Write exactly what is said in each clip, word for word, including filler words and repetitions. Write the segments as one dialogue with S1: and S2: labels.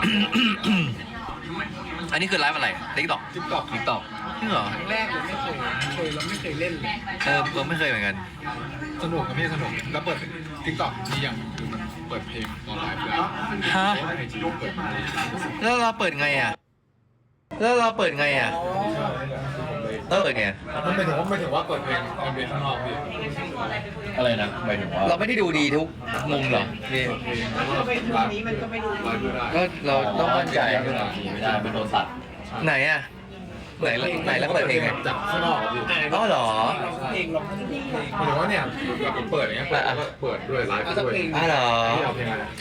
S1: อันนี้คือไลฟ์อะไรติ๊กต็อก
S2: ติ๊กต็อก
S1: ติ๊กต็อกจริงเหรอ
S2: ครั้งแรกเลยไม่เคยเคยแล้วไม่เคยเล่นเลย
S1: เออเราไม่เคยเหมือนกัน
S2: สนุกกับพี่สนุกแล้วเปิดติ๊กต็อกมีอย่างคือมันเปิดเพลงตอนไลฟ์ด้วย
S1: ฮะ
S2: ไอจีเปิด
S1: แล้วเราเปิดไงอ่ะแล้วเราเปิดไงอ่ะเออเปิดไง
S2: มันหมายถึงว่าไม่ถึงว่าเปิดเพลงตอนเบสข้างนอกพี่
S3: อะไรนะหมายถึงว่า
S1: เราไม่ได้ดูดีทุกมุมเหรอพี่
S2: เพลงไลฟ์นี้มันก็ไม่ดูไลฟ์ไม่ได้
S1: ก็เราต้องมั่นใจ
S3: ไม่ได้ไม่ได้มันโดนตัด
S1: ไหนอ่ะไหนไหนแล้วเปิดเพลงไง
S2: จากข้างนอกพี่
S1: อ๋อเหรอ
S2: เพลงเราก็จะมีเพลงหมายถึงว่าเนี่ยแบบเปิดอย่างเงี้ยเปิดแล้วก็เปิดด้วยไลฟ์ด้วย
S1: อ๋อเหรอ
S2: เอาเพลงอะไร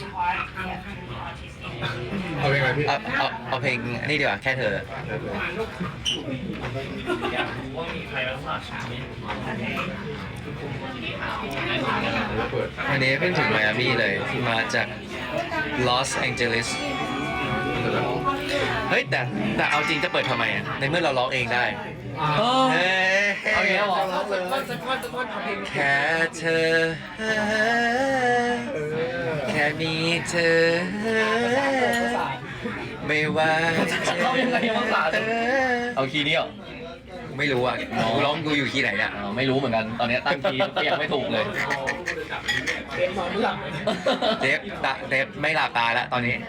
S2: เอาเพลงอะไรพี่
S1: เอาเอาเอาเพลงนี่ดีกว่าแค่เธอ
S2: เปิด
S1: วันนี้เพิ่งถึงไมอามี่เลยมาจากลอสแองเจลิสเฮ้ยแต่แต่เอาจริงจะเปิดทำไมอ่ะในเมื่อเราร้องเองได้เฮ้ย
S3: เอาอย่างนี้เหรอ
S1: แค่เธอ แค่มีเธอ ไม่ว่าจะ
S3: เอายังไงภาษาเอาคีย์นี้เหรอ
S1: ไม่รู้อ่ะกูร้องกูอยู่คีย์ไหนเนี่ย
S3: อ๋อไม่รู้เหมือนกันตอนนี้ตั้งคีย์ก็ยังไม่ถูกเลย
S1: เดฟตาเดฟไม่หลับตาแล้วตอนนี้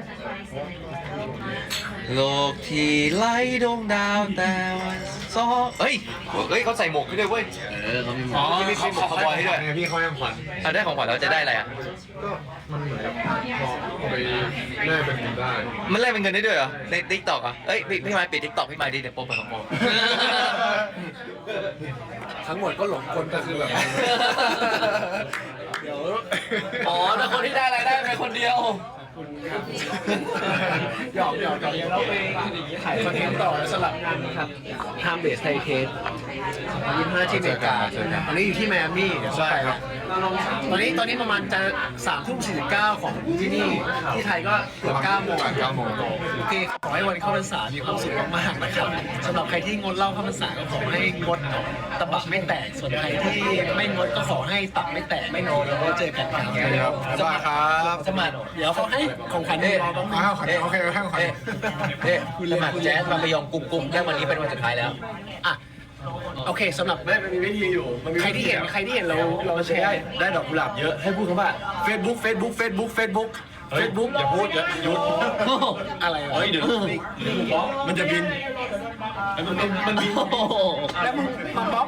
S1: โลกที่ไล่ดวงดาวแต่ว่าซอเฮ้ยเฮ้ยเขาใส่หมวกให้ด้วยเว้ย
S3: เออเขามีหม
S2: อ๋
S3: อ
S2: อ
S1: มีหมวกคาวบอยให้ด้วย
S2: พี่เขายังขวัญ
S1: เอาได้ของขวัญเราจะได้อะไรอ่ะ
S2: ก็มันเหมือนกับพอเอาไปแลกเป็นเงินได้
S1: มันแลกเป็นเงินได้ด้วยเหรอ ในทิกตอกอ่ะเอ้ยพี่พี่มาปิดทิกตอกพี่มาดิเดี๋ยวโป๊ะไปของโป๊ะ
S2: ทั้งหมดก็หลงคนก็คือแบบเดี๋ยว
S3: อ๋อแต่คนที่ได้รายได้เป็นคนเดียว
S2: หยอกหยอกหยอกเราไปถ่ายคอนเทนต์ต่อสลับงานครับทำเบสไทเทสยี่ห้าที่อเมริกาตอนนี้อยู่ที่ไมอามี่เดี๋ยวไปครับตอนนี้ตอนนี้ประมาณจะสามทุ่มสี่สิบเก้าของที่นี่ที่ไทยก็เกือบเก้าโมงเก้าโมงโอเคขอให้วันเข้าพรรษามีความสุขมากๆนะครับสำหรับใครที่งดเหล้าเข้าพรรษาก็ขอให้งดตะบักไม่แตกส่วนใครที่ไม่งดก็ขอให้ตับไม่แตกไม่นอนแล้วก็เจอกันครับสวัสดีครับสมัครเดี๋ยวเขาให้ของขวัญรอบ้างอ้าวขวัญโอเคให้ของขวัญ
S1: เฮ้ยสมัครแจ๊สมาไปยองกลุ่มกลุ่มแค่วันนี้เป็นวันสุดท้ายแล้ว
S2: อ่ะโอเคสำหรับไม่มันมีวิธีอยู่ใครที่เห็นใครที่เห็นเราเราแชร์ได้ดอกกุหลาบเยอะให้พูดคำว่า Facebook Facebook Facebook Facebook Facebook อย่าพูดเยอะหยุดอะไรวะเฮ้ยเดี๋ยวมันจะบินมันมันมันบินแล้วมึงมาบล็อก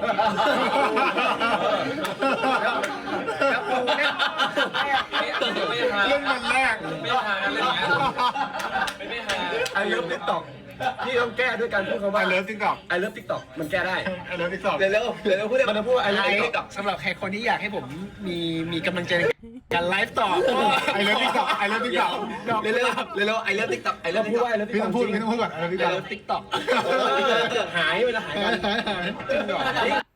S2: แล้วกูเนี่ยเล่นมันแรกไม่หาเล่นอย่างเงี้ยไม่หาไอเลิฟติ๊กต็อกพี่ต้องแก้ด้วยการพูดคำว่าไอเลิฟติ๊กต็อกไอเลิฟติ๊กต็อกมันแก้ได้ไอเลิฟติ๊กต็อกเร็วเร็วเร็วพูดมันจะพูดไอเลิฟติ๊กต็อกสำหรับใครคนที่อยากให้ผมมีมีกำลังใจในการไลฟ์ต่อไอเลิฟติ๊กต็อกไอเลิฟติ๊กต็อกเร็วเร็วเร็วไอเลิฟติ๊กต็อกไอเลิฟพูดว่าไอเลิฟติ๊กต็อกพี่ต้องพูดพี่ต้องพูดก่อนไอเลิฟติ๊กต็อกหายเวลาหายกันจริงเหรอ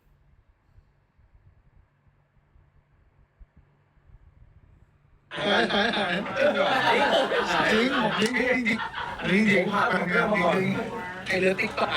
S2: จริงจริงจริงจริงจริงจริงไอเลิฟติ๊กต็อก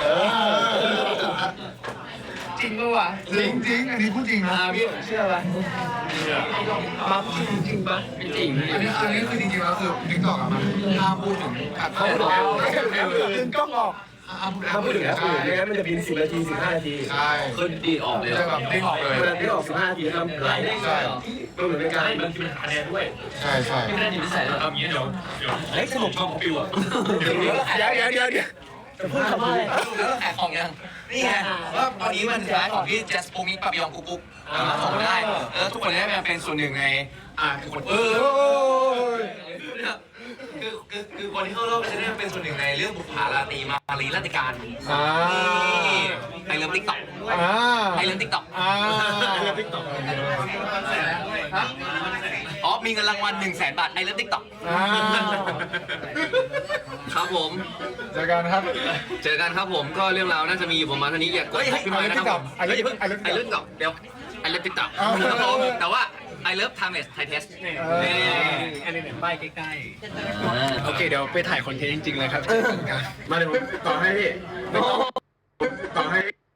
S2: จริงปะวะจริงจริงอันนี้พูดจริงนะพี่เชื่อปะมาพูดจริงปะไม่จริงอันนี้อันนี้คือจริงๆแล้วคือติ๊กต็อกอะมันห้ามพูดถึงอัดเข้าดึงกล้องออกห้ามพูดถึงนะคือไม่งั้นมันจะบินสิบนาทีสิบห้านาทีใช่
S3: ขึ้นดีออกเลย
S2: จะแบบดิ้งออกเลยเวลาดิ้งออกสิบห้านาทีห้ามไลฟ์ใช่ก็เหมือนเป็นการมันเป็นคะแนนด้วยใช่ใช่
S3: ไม่ได้ดีที่ใส่แล้ว
S4: เอาอย่างนี้เดี๋ยวเดี๋ยว
S2: เฮ้ยสนุกชอบปิวอ่ะเดี๋ยวเดี๋ยวเดี๋ยวเดี๋ยวจะพูดคำว่าอะไร
S1: แล้วขายของยัง นี่ไงว่าตอนนี้มันขายของที่ Just p o m i ปะปยองกุ๊กกุ๊กมาส่งได้แล้วทุกคนได้มาเป็นส่วนหนึ่งในอ่าคือคนเออคือคือคือคนที่เข้ารอบจะได้เป็นส่วนหนึ่งในเรื่องบุพภาราตรีมารีราชการนี่ไอเลิฟติ๊กต็อกไอเลิฟติ๊กต็อก
S2: อ่าเรื่องติ๊กต็อก
S1: อ๋อมีเงินรางวัลหนึ่งแสนบาทไอเลิฟติ๊กต็อก
S2: อ่า
S1: ครับผม
S2: เจอกันครับ
S1: เจอกันครับผมก็เรื่องราวน่าจะมีอยู่ประมาณเท่านี้อย่ากดพี่มานะครับผมไอเลิฟติ๊กต็อกไอเลิฟติ๊กต็อกเดี๋ยวไอเลิฟติ๊กต็อกครับผมแต่ว่าไอเลิฟไทม์เลสไทเทส
S2: อันนี้เนี่ยป้ายใกล้ๆโอเคเดี๋ยวไปถ่ายคอนเทนต์จริงๆเลยครับมาเดี๋ยวผมต่อให้พี่ต่อให้